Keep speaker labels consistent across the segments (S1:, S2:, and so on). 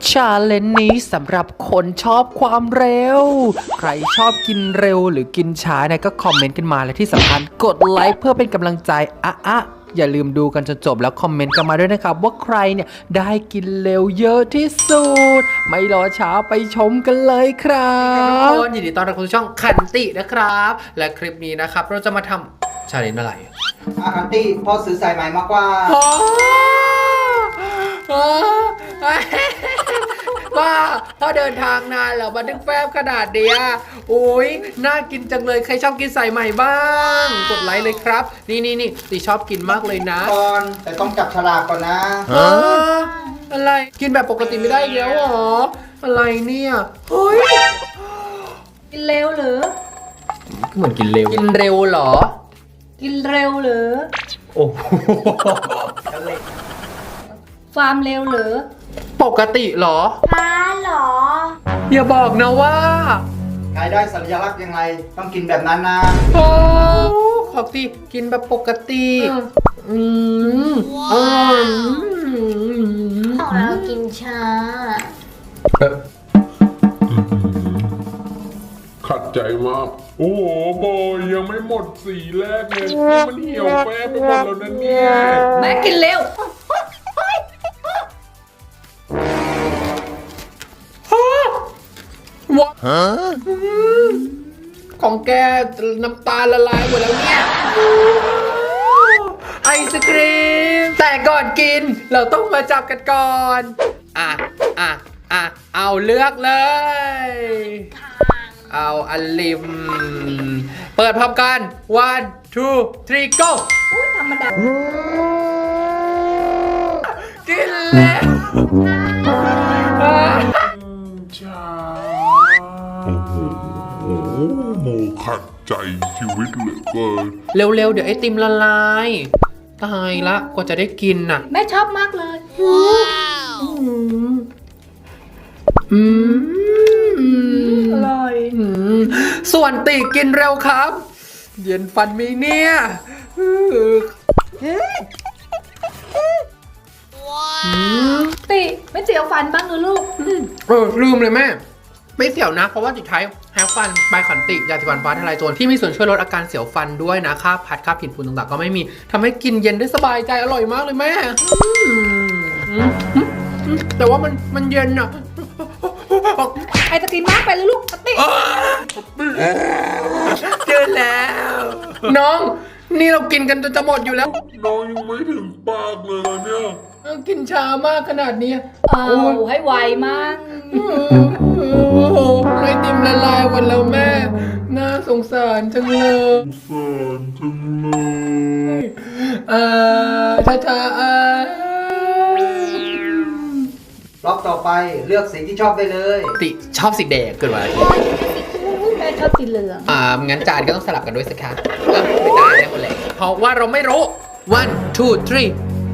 S1: ชาเลนจ์นี้สำหรับคนชอบความเร็วใครชอบกินเร็วหรือกินช้าเนี่ยก็คอมเมนต์กันมาและที่สำคัญกดไลค์เพื่อเป็นกำลังใจอย่าลืมดูกันจนจบแล้วคอมเมนต์กันมาด้วยนะครับว่าใครเนี่ยได้กินเร็วเยอะที่สุดไม่รอช้าไปชมกันเลยครับทุกคนยินดีต้อนรับเข้าสู่ช่องขันตินะครับและคลิปนี้นะครับเราจะมาทำชาเลนจ์อะไร
S2: คันตี้พ่อซื้อสายไหมมากกว่า
S1: ว่าพอเดินทางนานแล้วมาดึงแฟบขนาดเดียโอ้ยน่ากินจังเลยใครชอบกินสายใหม่บ้างกดไลค์เลยครับนี่ตีชอบกินมากเลยนะ
S2: ก่อนแต่ต้องจับฉลากก่อนนะ
S1: อะไรกินแบบปกติไม่ได้แล้วหรออะไรเนี่ยเฮ้ย
S3: กินเร็วหรือ
S1: เหมือนกินเร็วเหรอ
S3: กินเร็วหรือ
S1: โอ้
S3: ฟาร์มเร็วหรือ
S1: ปกติเหรอ
S3: หรอ
S1: อย่าบอกนะว่า
S2: ใครได้สัญลักษณ์ยังไงต้องกินแบบนั้นนะ
S1: โอ้ขอบที่กินแบบปกติ
S3: ของเรากินช้า
S4: ขัดใจมากโอ้โหโบยังไม่หมดสีแรกเลยนี่มันเหี่ยวแป้ไปหมดแล้วนะเนี่ย
S3: แม่กินเร็ว
S1: ของแกน้ำตาละลายหมดแล้วเนี่ยไอศครีมแต่ก่อนกินเราต้องมาจับกันก่อนเอาเลือกเลยเอาอันลิมเปิดพร้อมกัน 1 2 3 go
S3: ธรรมดา
S1: กินแล้ว
S4: โมขัดใจชีวิตเหลือเกิน
S1: เร็วๆเดี๋ยวไอติมละลายตายละกว่าจะได้กินน่ะ
S3: แม่ชอบมากเลยอร่อย
S1: ส่วนติกินเร็วครับเย็นฟันไหมเนี่ย
S3: ติไม่เจียวฟันบ้างหรือลูก
S1: ลืมเลยแม่ไม่เสียวนะเพราะว่าติดท้ายแฮปฟันใบขันติยาสีฟันฟ้าทลายโจรที่มีส่วนช่วยลดอาการเสียวฟันด้วยนะค่าพัดค่าผิดฝุ่นต่างๆก็ไม่มีทำให้กินเย็นได้สบายใจอร่อยมากเลยแม่แต่ว่ามันเย็นอะ
S3: ไอศกรีมมากไปเลยลูกติ
S1: เจอแล้วน้องนี่เรากินกันจนจะหมดอยู่แล้ว
S4: น้องยังไม่ถึงปากเลยเนี่ย
S1: กินช้ามากขนาดนี้
S3: ให้ไวมาก
S1: ไอติมละลายหมดแล้วแม่น่าสงสารจังเลยช้
S2: รอบต่อไปเลือกสีที่ชอบได้เลย
S1: ติชอบสีแดงเกินไป
S3: แม่ชอบสีเหลือง
S1: งั้นจานก็ต้องสลับกันด้วยสิคะไม่ได้แล้วคนแหละเพราะว่าเราไม่รู้ 1 2 3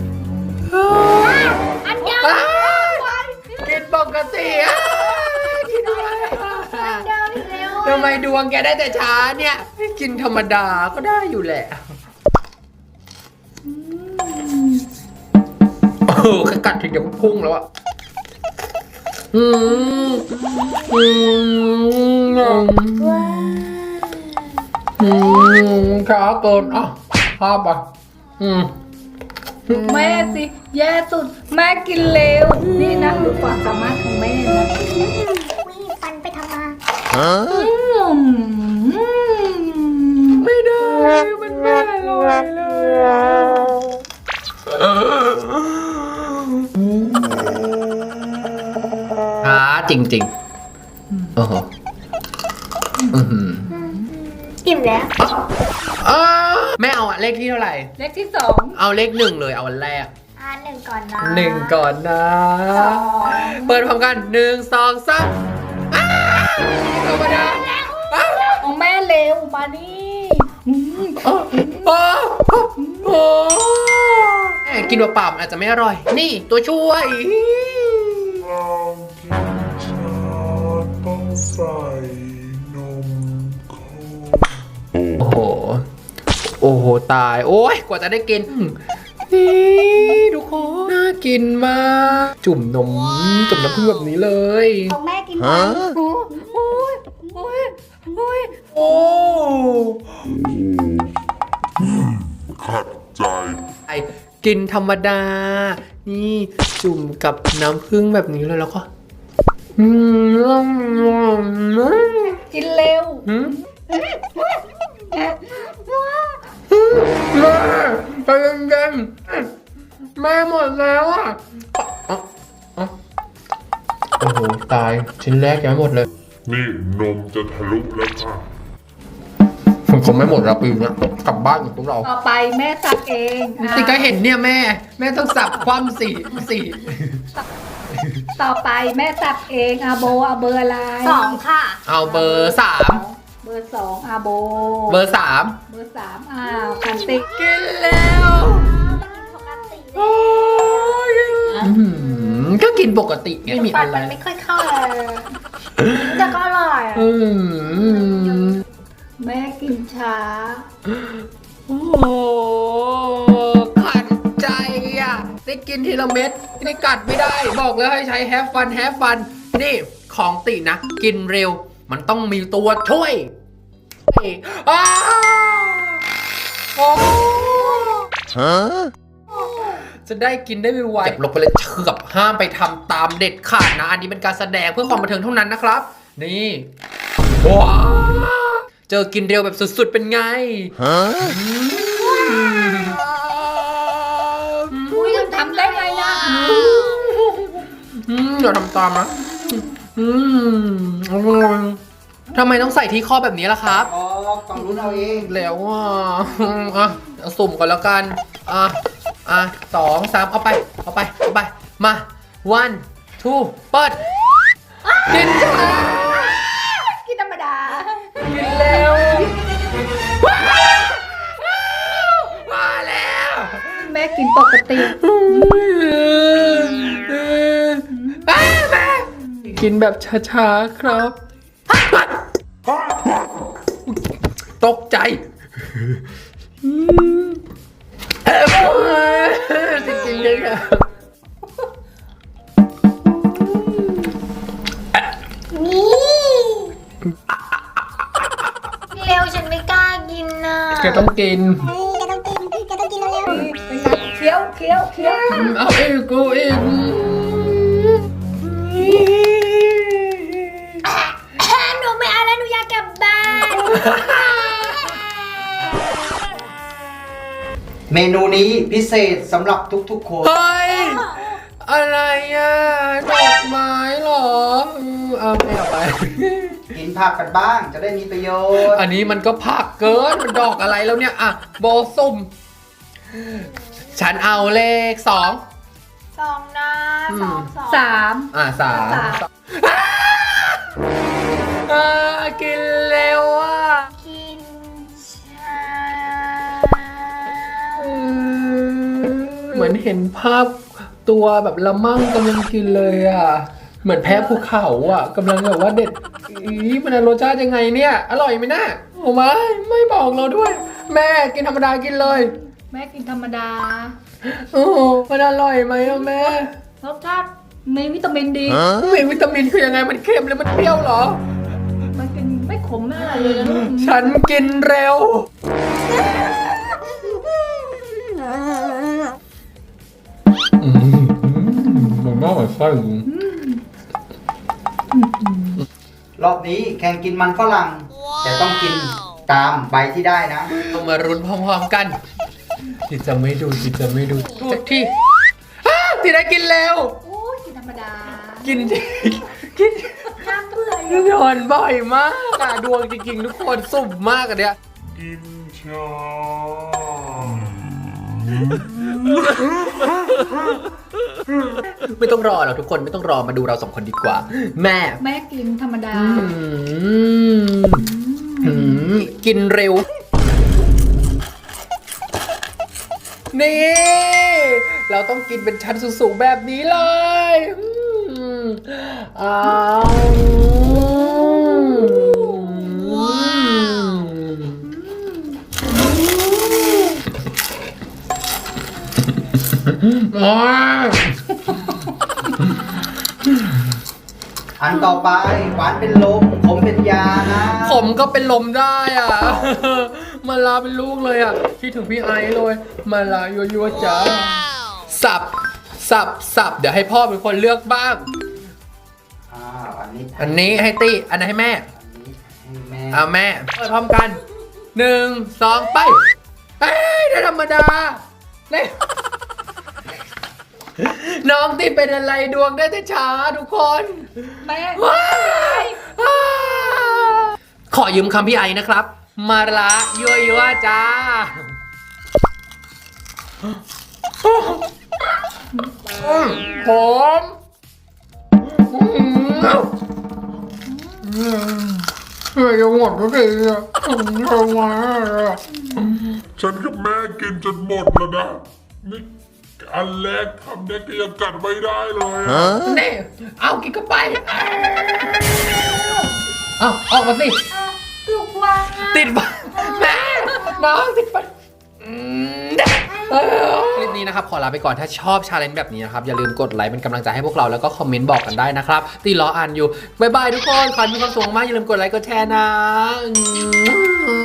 S3: อันยาว
S1: กินปกติกินอะไรทำไมดวงแกได้แต่ช้าเนี่ยกินธรรมดาก็ได้อยู่แหละกัดถึงจะพุ่งแล้วอะช้าเกินภาพอ่ะ
S3: แม่สิแย่สุดแม่กินเร็วนี่นะดูความสามารถของแม่นะ
S5: ปันไปทำมา
S1: ไม่ได้มันไม่อร่อยเลยจริงโอ้โห
S5: อิ่มแล้ว
S1: แม่เอาเลขที่เท่าไหร่
S3: เลขที่2
S1: เอาเลข1เลยเอาวันแรก
S5: 1ก่อนนะ
S1: 1ก่อนนะเปิดพร้อมกัน1 2 3ธรรมดา
S3: ของแม่เร็วมานี่
S1: กินเปล่าๆอาจจะไม่อร่อยนี่ตัวช่วย
S4: ต้องใส่นมข้น
S1: โอ้โหตายโอ้ยกว่าจะได้กินนี่ทุกคนน่ากินมากจุ่มนมจุ่มน้ำผึ้งแบบนี้เลย
S5: ของแม่กินไหม
S3: โอ้ยโอ้ยโอ้ย
S1: โอ้
S4: ขัดใจ
S1: ไอกินธรรมดา นี่จุ่มกับน้ำผึ้งแบบนี้เลยแล้วก็อืม
S3: กินเร็ว
S1: หืมแม่ไปเย็นๆแม่หมดแล้วอ่ะโอ้โหตายชิ้นแรกยังไม่หมดเลย
S4: นี่นมจะทะลุแล้วค่ะ
S1: คงไม่หมดละปีเนี้ยกลับบ้านกับพวกเรา
S3: ต่อไปแม่สับเองอ่ะ
S1: ติก็เห็นเนี่ยแม่ต้องสับคว่ำสี่
S3: ต่อไปแม่สับเองอาโบเอาเบอร์อะไร
S5: 2 ค่ะ
S1: เอาเบอร์สาม
S3: เบอร์2อาโบ
S1: เบอร์สาม
S3: เบอร์3อ้าวคันติ
S1: กินแล้ว
S5: ปกติ
S1: โอ้ยก็กินปกติไงไม่มี
S5: ปั
S1: อะ
S5: น
S1: ไร
S5: มันไม่ค่อยเข้าเลยแต่ก็อร่อย
S3: แม่กินช้า
S1: โอ้โหขัดใจอ่ะ ได้กินทีละเม็ดนี่กัดไม่ได้ บอกเลยให้ใช้แฮฟฟัน นี่ของตินะ กินเร็ว มันต้องมีตัวช่วยอ้าวโอ้จะได้กินได้ไวๆเก็บลงไปเลยเชือบห้ามไปทำตามเด็ดขาดนะ อันนี้เป็นการแสดงเพื่อความบันเทิงเท่านั้นนะครับ นี่ว้าวเจอกินเร็วแบบสุดๆเป็นไง
S3: อุ้ยทำได้ไงนะ
S1: เดี๋ยวทำตามนะทำไมต้องใส่ที่ข้อแบบนี้ล่ะครับ
S2: อ๋อฝั่งนู้นเอาเอง
S1: แล้วเอาสุ่มก่อนแล้วกัน2 3เอาไป มา 1 2 เปิด กินจ้า
S3: กินธรรมดา
S1: กินเร็วมาแล้ว
S3: แม่กินปกติ
S1: แม่กินแบบช้าๆครับ ตกใจจริงๆเลยค่ะ
S5: นี่เร็วฉันไม่กล้ากินน่ะ
S1: แกต้องกิน
S5: เฮ้ยแกต้องกินเร็ว
S3: เป็นไงเคี้ยว
S1: เอาอีกกูอีก
S5: หนูไม่เอาแล้วหนูอยากกลับบ้าน
S2: เมนูนี้พิเศษสำหรับทุกๆคน
S1: เฮ้ย อะไรอ่ะ ดอกไม้เหรอเอาไม่เอาไป
S2: กินผักกันบ้างจะได้มีประโยชน์
S1: อันนี้มันก็ผักเกิน มันดอกอะไรแล้วเนี่ย อ่ะ โบสุ่ม ฉันเอาเลข 2
S5: 2 นะ2
S3: 3
S1: 3 กินเร็วอ่ะ
S5: กินช้า
S1: เหมือนเห็นภาพตัวแบบละมั่งกำลังกินเลยอ่ะ เหมือนแพ้ภูเขาอ่ะกำลังแบบว่าเด็ดมันรสชาติยังไงเนี่ย อร่อยไหมนะโอ้ไม่บอกเราด้วย แม่กินธรรมดากินเลย
S3: แม่กินธรรมดา
S1: โอ้มันอร่อยไหมอะแม่
S3: รสชาติมีวิตามินดี
S1: มีวิตามินคือยังไงมันเค็มหรือมันเปรี้ยวเหรอ
S3: มันกินไม่ขมไม่อะไรเลยนะลูก
S1: ฉันกินเร็ว มันน่าอร่อย
S2: รอบนี้แข่งกินมันฝรั่ง แต่ต้องกินตามใบที่ได้นะ
S1: เรามารุ้นพร้อมๆกันจิจะไม่ดูสักที่ติได้กินเร็ว
S3: โอ้ยกินธรรมดา
S1: กิน
S3: น้ำเบื่อ
S1: กินหอนบ่อยมากอะดวงจริงๆทุกคนสุ่มมากอะเนี่ย
S4: กินช้า
S1: ไม่ต้องรอหรอกทุกคนไม่ต้องรอมาดูเรา2 คนดีกว่า แม่
S3: แม่กินธรรมดา
S1: กินเร็ว นี่ เราต้องกินเป็นชั้นสูงๆแบบนี้เลยอ้าว
S2: อันต่อไปหวานเป็นลมขมเป็นยานะ
S1: ผมก็เป็นลมได้อ่ะ มาลาเป็นลูกเลยอ่ะคิดถึงพี่ไอซ์เลยมาลายัวๆจ้าสับเดี๋ยวให้พ่อเป็นคนเลือกบ้าง
S2: อันนี้
S1: อันนี้ให้ตี้อันนั้นให้แม่
S2: อันนี้ให้แม่
S1: เอาแม่เปิดพร้อมกัน 1 2 ไปเฮ้ยได้ธรรมดาได้ น้องที่เป็นอะไรดวงได้แต่ช้าทุกคน
S3: แม่
S1: ว้ายขอยืมคำพี่ไอนะครับ มาละยัวๆจ้าผมเฮ้ยยังหมดทุกทีอ่ะทำไมอ่ะ
S4: ฉันกับแม่กินจนหมดแล้วนะนี่อันแรกทำเนี่ยก็ยังกัดไม่ได้เลยอะ
S1: นี่เอากินเข้าไปเอาออกมาสิ
S5: ถูกวางอ่ะ
S1: ติดฟันแม่น้องติดฟันคลิปนี้นะครับขอลาไปก่อนถ้าชอบชาเลนจ์แบบนี้นะครับอย่าลืมกดไลค์เป็นกำลังใจให้พวกเราแล้วก็คอมเมนต์บอกกันได้นะครับตีรออ่านอยู่บ๊ายบายทุกคนขอให้มีความสุขมากอย่าลืมกดไลค์กดแชร์นะ